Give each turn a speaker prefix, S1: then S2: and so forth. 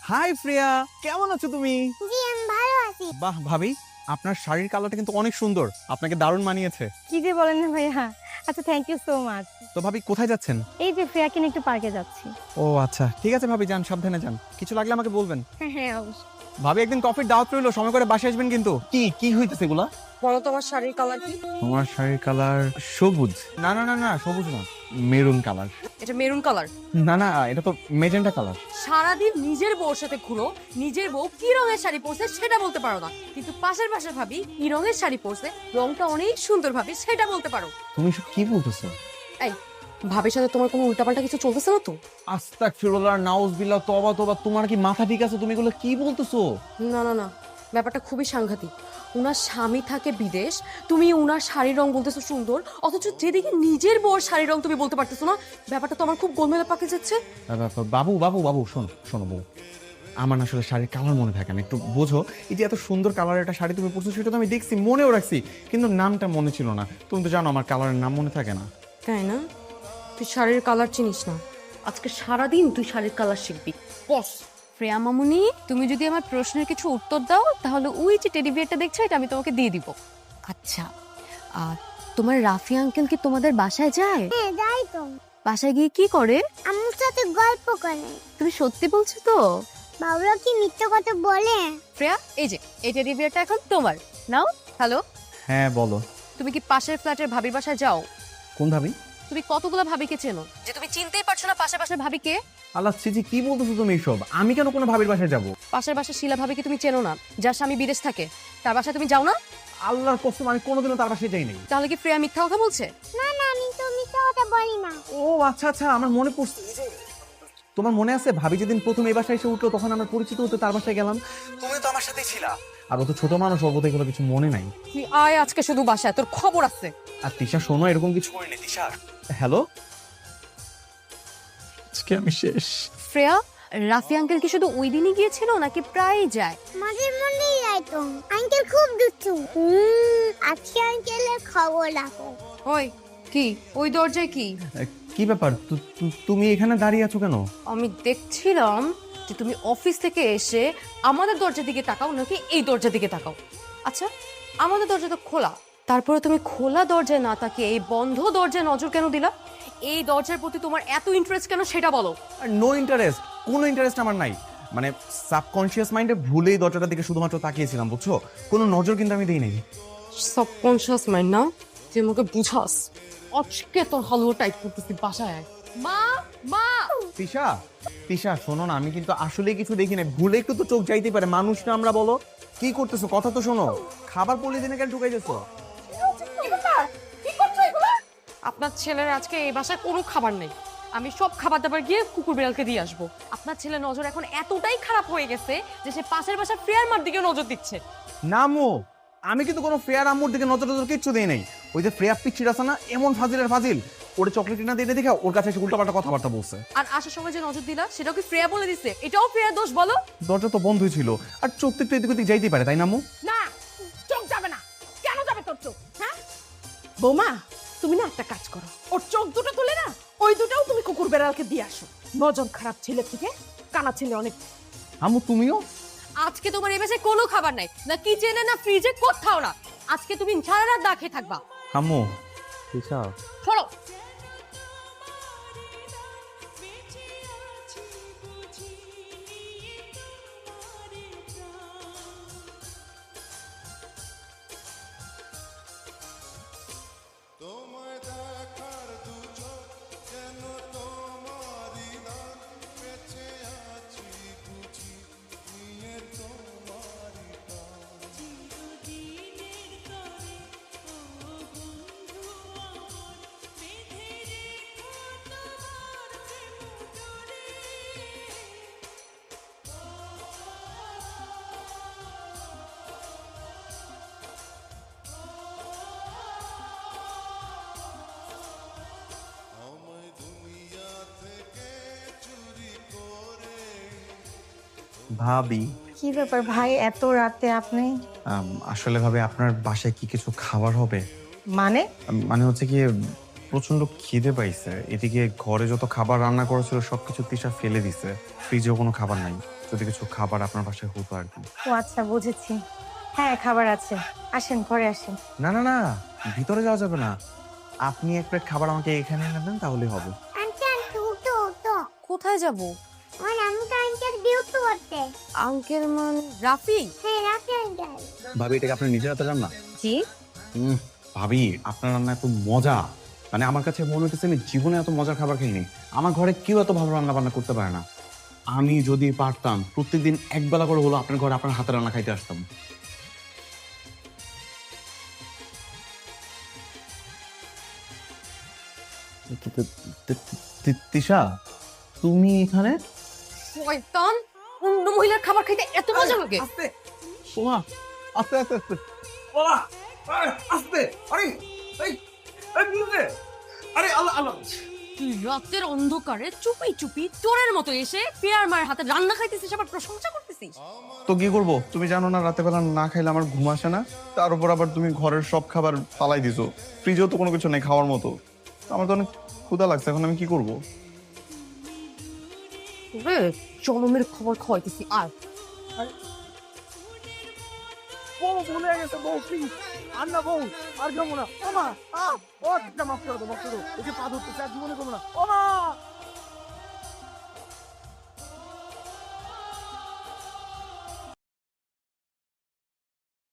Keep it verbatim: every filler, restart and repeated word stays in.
S1: High প্রিয়া, কেমন আছো তুমি?
S2: জি আমি ভালো আছি।
S1: বাহ ভাবি, আপনার শাড়ির কালারটা কিন্তু অনেক সুন্দর, আপনাকে দারুণ মানিয়েছে।
S3: কি যে বলেন না ভাইয়া। আচ্ছা, থ্যাংক ইউ সো মাচ।
S1: তো ভাবি কোথায় যাচ্ছেন?
S3: এই যে ফ্রেয়াকে নিয়ে একটু পার্কে যাচ্ছি।
S1: ও আচ্ছা, ঠিক আছে ভাবি, যান, সাবধানে যান। কিছু লাগলে আমাকে বলবেন।
S3: হ্যাঁ হ্যাঁ অবশ্যই।
S1: ভাবি একদিন কফির দাওয়াত রইলো, সময় করে বাসায় আসবেন কিন্তু। কি কি হইতেছে এগুলা?
S4: বলো তোমার শাড়ির কালার কি?
S1: তোমার শাড়ির কালার সবুজ। না না না না, সবুজ না, মেরুন কালার।
S4: এটা মেরুন কালার।
S1: না না, এটা তো মেজেন্টা কালার।
S4: সারাদিন নিজের বউর সাথে ঘুরো, নিজের বউ কি রঙের শাড়ি পরছে সেটা বলতে পারো না, কিন্তু পাশের পাশের ভাবি কি রঙের শাড়ি পরছে, রংটা অনেক সুন্দর ভাবি সেটা বলতে পারো।
S1: তুমি সব কি বলতেছো?
S4: এই ভাবির সাথে তোমার কোনো উল্টাপাল্টা কিছু চলতেছে না তো?
S1: আস্তাগফিরুল্লাহ, নাউজুবিল্লাহ, তওবা তওবা, তোমার কি মাথা ঠিক আছে? তুমি এগুলো কি বলতেছো?
S4: না না না, ব্যাপারটা খুবই সাংঘাতিক। উনার স্বামী থাকে বিদেশ, তুমি উনার শাড়ির রং বলতেছো সুন্দর, অথচ যেদিকে নিজের বউর শাড়ির রং তুমি বলতে পারতেছো না। ব্যাপারটা তো আমার খুব গোলমেলে পাকে যাচ্ছে।
S1: বাবু বাবু বাবু শোনো শোনো বউ, আমার না আসলে শাড়ির কালার মনে থাকে না, একটু বোঝো। এই যে এত সুন্দর কালারের একটা শাড়ি তুমি পরছো, সেটা তো আমি দেখছি, মনেও রাখছি, কিন্তু নামটা মনে ছিল না। তুমি তো জানো আমার কালারের নাম মনে থাকে না।
S4: তাই না? তুই শাড়ির কালার চিনিস না, আজকে সারাদিন তুই শাড়ির কালার শিখবি। বস
S5: প্রিয়া মামুনি, তুমি যদি আমার প্রশ্নের কিছু উত্তর দাও তাহলে ওই যে টেডি বিয়ারটা দেখছো এটা আমি তোমাকে দিয়ে দিব। আচ্ছা, আর তোমার রাফি আঙ্কেল কি তোমাদের বাসায় যায়?
S2: হ্যাঁ যাই তো।
S5: বাসায় গিয়ে কি করে?
S2: আম্মুর সাথে গল্প করে।
S5: তুমি সত্যি বলছো তো?
S2: বাবুরা কি মিথ্যে কথা বলে?
S5: প্রিয়া, এই যে এই টেডি বিয়ারটা এখন তোমার, নাও। হ্যালো,
S1: হ্যাঁ বলো।
S5: তুমি কি পাশের ফ্ল্যাটের ভাবির বাসায় যাও?
S1: কোন ভাবি?
S5: তুমি কতগুলো ভাবিকে চেনো যে তুমি চিনতেই পারছো না পাশের পাশের ভাবিকে?
S1: আল্লাহ চিজি, কি বলতেছো তুমি এইসব? আমি কেন কোনো ভাবির বাসায় যাব?
S5: পাশের বাসার শিলা ভাবিকে তুমি চেনো না, যার স্বামী বিদেশ থাকে, তার বাসায় তুমি যাও না?
S1: আল্লাহর কসম, আমি কোনোদিনও তার বাসায় যাই নাই।
S5: তাহলে কি প্রিয়া মিথ্যা কথা বলছে?
S2: না না আমি তো মিথ্যে কথা বলি না।
S1: ও আচ্ছা আচ্ছা, আমার মনে পড়ছে। এই যে, তোমার মনে আছে ভাবি যেদিন প্রথম এই বাসায় এসে উঠলো, তখন আমার পরিচিত হতে তার বাসায় গেলাম, তুমি তো আমার সাথেই ছিলা। আর ও তো ছোট মানুষ, ওর বোধহয় এগুলো কিছু মনে নাই।
S4: তুই আয় আজকে শুধু বাসায়, তোর খবর আছে।
S1: আর তিশা শোনো, এরকম কিছু করিনি তিশা। হ্যালো, আজকে আমি শেষ।
S5: শ্রেয়া, রাফি আঙ্কেল কি শুধু ওই দিনই গিয়েছিল নাকি প্রায়ই যায়?
S2: মাঝে মধ্যেই যাই তো। আঙ্কেল খুব দুষ্টু। হুম, আজকে আঙ্কেলের খবর রাখো।
S4: ওই কি ওই দরজায় কি?
S1: কি ব্যাপার, তু- তু- তুমি এখানে দাঁড়িয়ে আছো কেন?
S4: আমি দেখছিলাম যে তুমি অফিস থেকে এসে আমাদের দরজার দিকে তাকাও নাকি এই দরজার দিকে তাকাও। আচ্ছা, আমাদের দরজা তো খোলা, তারপরে তুমি খোলা দরজায় না তাকিয়ে এই বন্ধ দরজায় নজর কেন দিলা? এই দরজার প্রতি তোমার এত ইন্টারেস্ট কেন সেটা বলো।
S1: নো ইন্টারেস্ট, কোনো ইন্টারেস্ট আমার নাই। মানে সাবকনশিয়াস মাইন্ডে ভুলেই দরজাটার দিকে শুধুমাত্র তাকিয়েছিলাম, বুঝছো? কোনো নজর কিন্তু আমি দেই নাই।
S4: সাবকনশিয়াস মাইন্ড না, তুই আমাকে বুঝাস। আজকে তোর হালুয়া টাইপ করতেছি, বাসায় আয়। মা মা
S1: তিশা তিশা শোনো না, আমি কিন্তু আসলে কিছু দেখি না, ভুলে একটু তো চোখ যাইতে পারে, মানুষ না আমরা, বলো কি করতেছো? কথা তো শোনো। খাবার পলিথিনে কেন ঢুকাই দিছো?
S4: আপনার ছেলের আজকে এই বাসায় কোনো খাবার নেই, আমি সব খাবার দাবার গিয়ে কুকুর বিড়ালকে দিয়ে আসবো। আপনার ছেলের নজর এখন এতটাই খারাপ হয়ে গেছে যে সে পাশের বাসার ফ্রেয়ার মার দিকে নজর দিচ্ছে।
S1: নামো, আমি কিন্তু কোনো ফ্রেয়ার আম্মুর দিকে নজর নজর কিচ্ছু দেই নাই। ওই যে ফ্রেয়ার পিচ্ছির আছে না, এমন ফাজিলের ফাজিল, ওরে চকলেট না দিয়ে দেখে ওর কাছে এসে উল্টাপাল্টা কথাবার্তা বলছে।
S4: আর আসার সময় যে নজর দিলা সেটাও কি ফ্রেয়া বলে দিছে? এটাও ফ্রেয়ার দোষ বলো?
S1: দরজা তো বন্ধই ছিল, আর চোখ তো একটু এদিক ওদিক যাইতেই পারে, তাই না আম্মু?
S6: না, চোখ যাবে না। কেন যাবে তোর চোখ? হ্যাঁ বৌমা, তুমি না একটা কাজ করো, ওর চোখ দুটো তুলে না ওই দুটাও তুমি কুকুর বেড়ালকে দিয়ে আসো। নজর খারাপ ছেলে থেকে কানা ছেলে অনেক।
S1: আম্মু তুমিও?
S4: আজকে তোমার এই বাসায় কোনো খাবার নাই, না কিচেনে না ফ্রিজে, কোথাও না। আজকে তুমি সারা রাত না খেয়ে থাকবা।
S1: আম্মু তিশা,
S4: সরো।
S1: ভাবি
S3: কি ব্যাপার ভাই, এত রাতে আপনি?
S1: আম, আসলে ভাবে আপনার বাসায় কি কিছু খাবার হবে?
S3: মানে?
S1: আম, মানে হচ্ছে কি, প্রচন্ড খিদে পাইছে, এদিকে ঘরে যত খাবার রান্না করেছিল সবকিছু তিশা ফেলে দিছে, ফ্রিজেও কোনো খাবার নাই। যদি কিছু খাবার আপনার বাসায় হতো আর কি।
S3: ও আচ্ছা, বুঝেছি। হ্যাঁ, খাবার আছে, আসেন ঘরে আসেন।
S1: না না না, ভিতরে যাওয়া যাবে না। আপনি এক প্লেট খাবার আমাকে এখানে এনে দেন তাহলেই হবে।
S2: আন্টি আন্টি উঠো উঠো,
S4: কোথায় যাব?
S2: আমার আমি তো আঙ্কেল ডিউটি করতে।
S4: আঙ্কেল মানে রাফি?
S2: হ্যাঁ রাখি আঙ্কেল।
S1: ভাবি, এটাকে আপনি নিজের হাতে রান্না?
S4: জি।
S1: হুম, ভাবি আপনার রান্না এত মজা, মানে আমার কাছে মনে হচ্ছে আমি জীবনে এত মজার খাবার খাইনি। আমার ঘরে কেউ এত ভালো রান্না বান্না করতে পারে না। আমি যদি পারতাম প্রত্যেকদিন এক বেলা করে হলো আপনার ঘরে আপনার হাতে রান্না খাইতে আসতাম। তিশা, তুমি এখানে?
S4: শয়তান, অন্য মহিলার খাবার খাইতে এত মজা লাগে?
S1: ওমা, আস্তে আস্তে আস্তে। ওমা, আরে আস্তে। আরে এই এই বুঝে। আরে আল্লাহ আল্লাহ।
S4: তুই রাতের অন্ধকারে চুপি চুপি চোরের মতো এসে পেয়ার মায়ের হাতে রান্না খাইতেছিস, আবার প্রশংসা করতেছিস।
S1: তো কি করব? তুমি জানো না রাতে বেলা না খাইলে আমার ঘুম আসে না। তার উপর আবার তুমি ঘরের সব খাবার ফালাই দিছো, ফ্রিজেও তো কোনো কিছু নেই খাওয়ার মতো। আমার তো অনেক ক্ষুধা লাগছে, এখন আমি কি করব?
S4: রে জনমের খবর খাওয়াইতেছি। আর
S7: বউ ভুলে গেছে, বউ প্লিজ আর না, বউ আর যাবো না। ও মা, আ ও একটা মাফ করে দাও, মাফ করে দাও। একে পা ধরতে চার জীবনে করবো না। ও মা